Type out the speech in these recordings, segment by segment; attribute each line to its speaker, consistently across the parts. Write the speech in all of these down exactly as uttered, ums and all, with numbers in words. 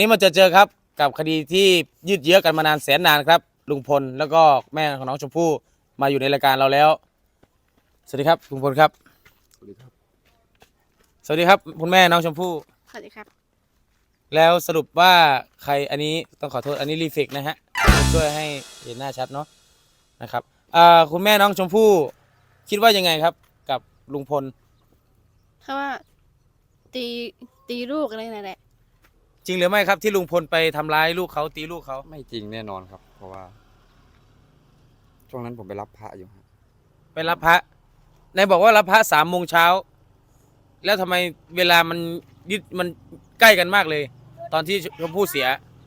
Speaker 1: นี่มาเจอเจอครับกับคดีที่ยืดเยื้อกันมานานแสนนานครับลุงพลแล้วก็แม่ของน้องชมพู่มาอยู่ในรายการเราแล้วสวัสดีครับลุงพลครับสวัสดีครับสวัสดีครับคุณแม่น้องชมพู่
Speaker 2: สวัสดีครับ
Speaker 1: แล้วสรุปว่าใครอันนี้ต้องขอโทษอันนี้รีเฟกนะฮะช่วยให้เห็นหน้าชัดเนาะนะครับอ่าคุณแม่น้องชมพู่คิดว่ายังไงครับกับลุงพล
Speaker 2: เพราะว่าตีตีลูกอะไรนั่นแหละ
Speaker 1: จริงหรือไม่ครับที่ลุงพลไปทำร้ายลูกเขาตีลูกเขา
Speaker 3: ไม่จริงแน่นอนครับเพราะว่าช่วงนั้นผมไปรับพระอยู่ครับ
Speaker 1: ไปรับพระนายบอกว่ารับพระสามโมงเช้าแล้วทำไมเวลามันยึดมันใกล้กันมากเลยตอนที่ชมพู่เสีย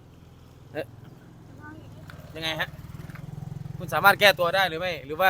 Speaker 1: ยังไงฮะคุณสามารถแก้ตัวได้หรือไม่หรือว่า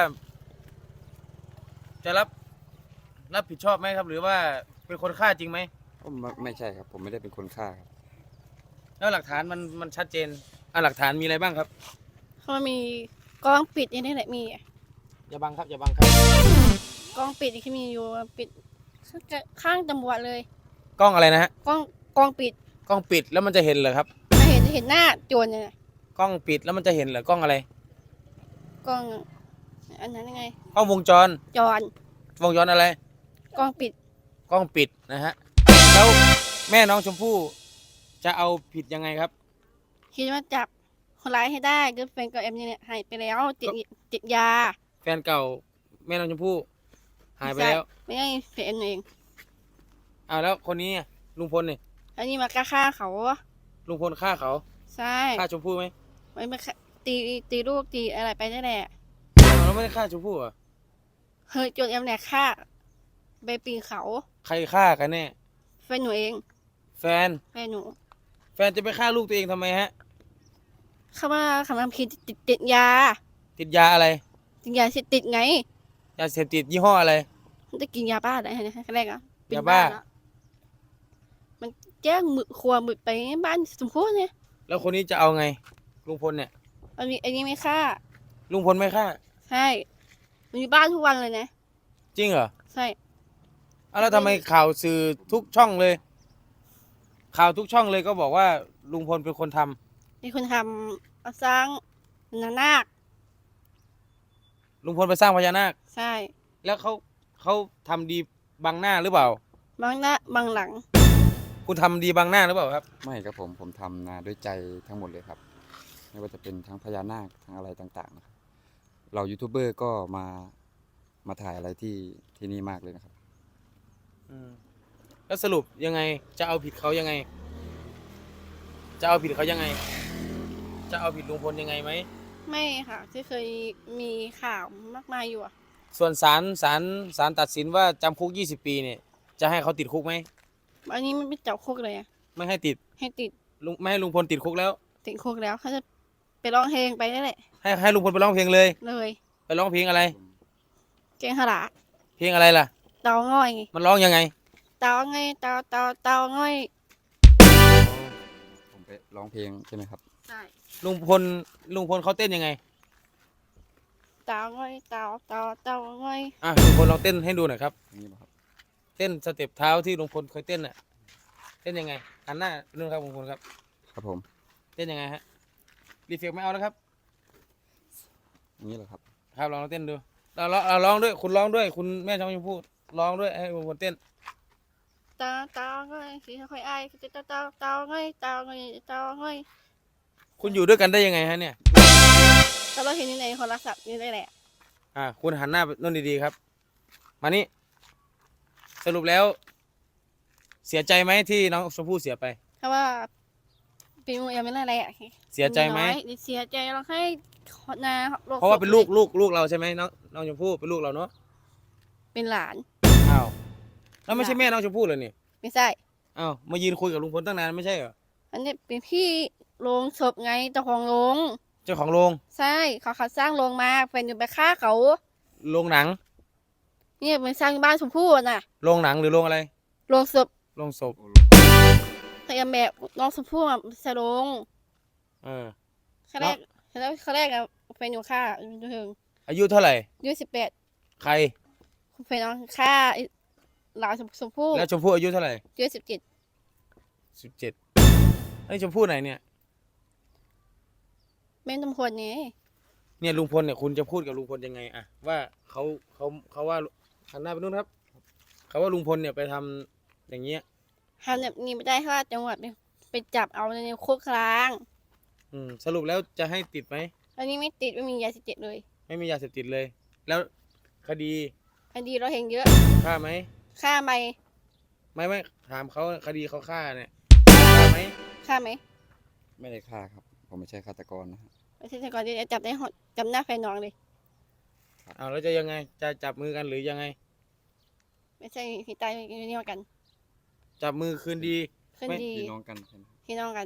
Speaker 1: จะรับรับผิดชอบไหมครับหรือว่าเป็นคนฆ่าจริงไหม
Speaker 3: ไม่ไม่ใช่ครับผมไม่ได้เป็นคนฆ่าครับ
Speaker 1: แล้วหลักฐานมันมันชัดเจนอ่ะหลักฐานมีอะไรบ้างครับ
Speaker 2: เขามีกล้องปิดอย่างนี้แหละมี
Speaker 1: อย่าบังครับอย่าบังครับ
Speaker 2: กล้องปิดที่มีอยู่ปิดข้างตำรวจเลย
Speaker 1: กล้องอะไรนะฮะ
Speaker 2: กล้องกล้องปิด
Speaker 1: กล้องปิดแล้วมันจะเห็นเหรอครับ
Speaker 2: จะเห็นเห็นหน้าโจรเนี่ย
Speaker 1: กล้องปิดแล้วมันจะเห็นเหรอกล้องอะไร
Speaker 2: กล้องอันนั้นยังไง
Speaker 1: กล้องวงจร
Speaker 2: จร
Speaker 1: วงจรอะไร
Speaker 2: กล้องปิด
Speaker 1: กล้องปิดนะฮะแล้วแม่น้องชมพู่จะเอาผิดยังไงครับ
Speaker 2: คิดว่าจับคนร้ายให้ได้ก็แฟนกับเอ็มเนี่ยหายไปแล้วติดติดยา
Speaker 1: แฟนเก่าแม่น้องชมพู่หายไปแล้ว
Speaker 2: ไม่ใช่แฟนเอง
Speaker 1: อ้าวแล้วคนนี้ลุงพลนี่
Speaker 2: อันนี้มากล้าฆ่าเขา
Speaker 1: ลุงพลฆ่าเขา
Speaker 2: ใช่
Speaker 1: ฆ่าชมพู่ไหม
Speaker 2: ไม่มาตีตีลูกตีอะไรไปได้แหละ
Speaker 1: เราไม่ได้ฆ่าชมพู่อ่ะ
Speaker 2: เฮ้ยโจรเอ็มเนี่ยฆ่าไปปีนเขา
Speaker 1: ใครฆ่ากันแน่
Speaker 2: แฟนหนูเอง
Speaker 1: แฟน
Speaker 2: แฟนหนู
Speaker 1: แฟนจะไปฆ่าลูกตัวเองทำไมฮะ
Speaker 2: เขาว่าคำทำผิดติดติดยา
Speaker 1: ติดยาอะไร
Speaker 2: ติดยาเสพติดไง
Speaker 1: ยาเสพติดยี่ห้ออะไร
Speaker 2: มันจะกินยาบ้าได้ไหมแรกอ่ะ
Speaker 1: ยาบ้า
Speaker 2: มันแจ้งมือครัวมือไปบ้านสมพูเนี่ย
Speaker 1: แล้วคนนี้จะเอาไงลุงพลเนี่ย
Speaker 2: อันนี้อันนี้ไม่ฆ่า
Speaker 1: ลุงพลไม่ฆ่า
Speaker 2: ใช่มันอยู่บ้านทุกวันเลยนะ
Speaker 1: จริงเหรอ
Speaker 2: ใช่
Speaker 1: แล้วทำไมข่าวสื่อทุกช่องเลยข่าวทุกช่องเลยก็บอกว่าลุงพลเป็นคนทำ
Speaker 2: เป็นคนทำสร้างพญานาค
Speaker 1: ลุงพลไปสร้างพญานาค
Speaker 2: ใช่
Speaker 1: แล้วเขาเขาทำดีบังหน้าหรือเปล่า
Speaker 2: บังหน้าบังหลัง
Speaker 1: คุณทำดีบังหน้าหรือเปล่าครับ
Speaker 3: ไม่ครับผมผมทำนาด้วยใจทั้งหมดเลยครับไม่ว่าจะเป็นทั้งพญานาคทั้งอะไรต่างๆนะครับเรายูทูบเบอร์ก็มามาถ่ายอะไรที่ที่นี่มากเลยนะครับ
Speaker 1: แล้วสรุปยังไงจะเอาผิดเขายังไงจะเอาผิดเขายังไงจะเอาผิดลุงพลยังไงไหม
Speaker 2: ไม่ค่ะที่เคยมีข่าวมากมายอยู่อ่ะ
Speaker 1: ส่วนศาลศาลศาลตัดสินว่าจำคุกยี่สิบปีเนี่ยจะให้เขาติดคุกไหม
Speaker 2: อันนี้ไม่จับคุกเลยอ่ะ
Speaker 1: ไม่ให้ติด
Speaker 2: ให้ติด
Speaker 1: ลุงไม่ให้ลุงพลติดคุกแล้ว
Speaker 2: ติดคุกแล้วเขาจะไปร้องเพลงไปนั่นแหละ
Speaker 1: ให้ให้ลุงพลไปร้องเพลงเลย
Speaker 2: เลย
Speaker 1: ไปร้องเพลงอะไร
Speaker 2: เก่งขลาด
Speaker 1: เพลงอะไรล่ะ
Speaker 2: เตาง่อย
Speaker 1: มันร้องยังไง
Speaker 2: เตาง่อยเตาเตาเตาง่อย
Speaker 3: ผมไปร้องเพลงใช่ไหมครับ
Speaker 2: ใช่
Speaker 1: ลุงพลลุงพลเขาเต้นยังไง
Speaker 2: เตาง่อยเตาเตาเตาง่อย
Speaker 1: อ่ะลุงพลลองเต้นให้ดูหน่อยครับ
Speaker 3: นี่ครับ
Speaker 1: เต้นสเต็ปเท้าที่ลุงพลเคยเต้นน่ะเต้นยังไงหันหน้าดูครับลุงพลครับ
Speaker 3: ครับผม
Speaker 1: เต้นยังไงฮะรีเฟกไม่เอาแล้วครับ
Speaker 3: อย่างนี้เหรอครับ
Speaker 1: ครับลองเต้นดูเราเราเราร้องด้วยคุณร้องด้วยคุณแม่ช่องชมพู่ร้องด้วยให้ลุงพลเต้น
Speaker 2: เตาเตาง่อยสีค่อยไอ้เตาเตาเตาง่อยเตาง่อยเตาง่อย
Speaker 1: คุณอยู่ด้วยกันได้ยังไงฮะเนี่ย
Speaker 2: แต่เราเห็นในโทรศัพท์นี่ได้แหละ
Speaker 1: อ่าคุณหันหน้านู่นดีๆครับมานี่สรุปแล้วเสียใจไหมที่น้องชมพู่เสียไป
Speaker 2: เพราะว่าปีมือยังไม่ได้อะไรอ่ะ
Speaker 1: เสียใจไหม
Speaker 2: เสียใจเราให้นา
Speaker 1: เพราะว่าเป็นลูกลูกลูกเราใช่ไหมน้องน้องชมพู่เป็นลูกเราเนาะ
Speaker 2: เป็นหลาน
Speaker 1: อ้าวแล้วไม่ใช่แม่น้องชมพู่เลยนี่
Speaker 2: ไม่ใช่
Speaker 1: อ้าวมายืนคุยกับลุงพลตั้งนานไม่ใช่เหรอ
Speaker 2: อันนี้เป็นพี่โรงศพไงเจ้าของโรง
Speaker 1: เจ้าของโรง
Speaker 2: ใช่เขาเขาสร้างโรงมาแฟนอยู่ไปฆ่าเขา
Speaker 1: โรงหนัง
Speaker 2: เนี่ยเป็นสร้างบ้านชมพู่น่ะ
Speaker 1: โรงหนังหรือโรงอะไร
Speaker 2: โรงศพ
Speaker 1: โรงศพ
Speaker 2: แต่แม่น้องชมพู่อ่ะใช่โรง
Speaker 1: เออ
Speaker 2: เขาแรกแล้วเขาแรกอะแฟนอยู่ฆ่าอยู่ถึง
Speaker 1: อายุเท่าไหร่
Speaker 2: อายุสิบแปด
Speaker 1: ใคร
Speaker 2: แฟนน้องฆ่าหลานชมพู่
Speaker 1: แล้วชมพู่อายุเท่าไหร่
Speaker 2: อายุสิบเจ็ด
Speaker 1: สิบเจ็ดไอ้ชมพู่ไหนเนี่ย
Speaker 2: แม่ตำรวจไง
Speaker 1: เนี่ยลุงพลเนี่ยคุณจะพูดกับลุงพลยังไงอะว่าเขาเขาเขาว่าหันหน้าไปนู่นครับเขาว่าลุงพลเนี่ยไปทำอย่างเงี้ย
Speaker 2: ทำแบบนี้ไม่ได้ค่ะจังหวัดไปจับเอาในคุกคลาง
Speaker 1: อืมสรุปแล้วจะให้ติดไหม
Speaker 2: อันนี้ไม่ติดไม่มียาเสพติดเลย
Speaker 1: ไม่มียาเสพติดเลย แล้วคดี
Speaker 2: คดีเราเห็นเยอะ
Speaker 1: ฆ่าไหม
Speaker 2: ฆ่าไหม
Speaker 1: ไม่ไม่ถามเขาคดีเขาฆ่าเนี่ยฆ่าไหม
Speaker 2: ฆ่าไหม
Speaker 3: ไม่ได้ฆ่าครับ ผมไม่ใช่ฆาตกรนะฮะ
Speaker 2: ไม่ใช่แต่ก่อนจะจับได้หดจำหน้าแฟนน้องเลย
Speaker 1: เอาแล้วจะยังไงจะจับมือกันหรือยังไง
Speaker 2: ไม่ใช่พี่ตายพี่นี่กัน
Speaker 1: จับมือคืนดี
Speaker 2: ขึ้น
Speaker 1: ไม่
Speaker 2: ดี
Speaker 3: พี่น้องกันใช่ไหม
Speaker 2: พี่น้องกัน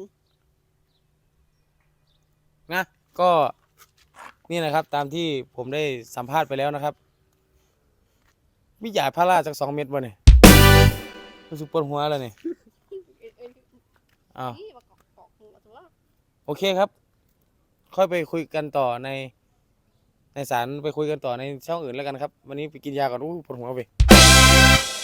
Speaker 1: นะก็นี่นะครับ ตามที่ผมได้สัมภาษณ์ไปแล้วนะครับมียาพาราจากสองเม็ดบ่เนี่ยรู้สึกปวดหัวแล้วเนี่ยอ้าว โอเคครับ ค่อยไปคุยกันต่อในในศาลไปคุยกันต่อในช่องอื่นแล้วกันครับ วันนี้ไปกินยาก่อนอู้ปวดหัวไป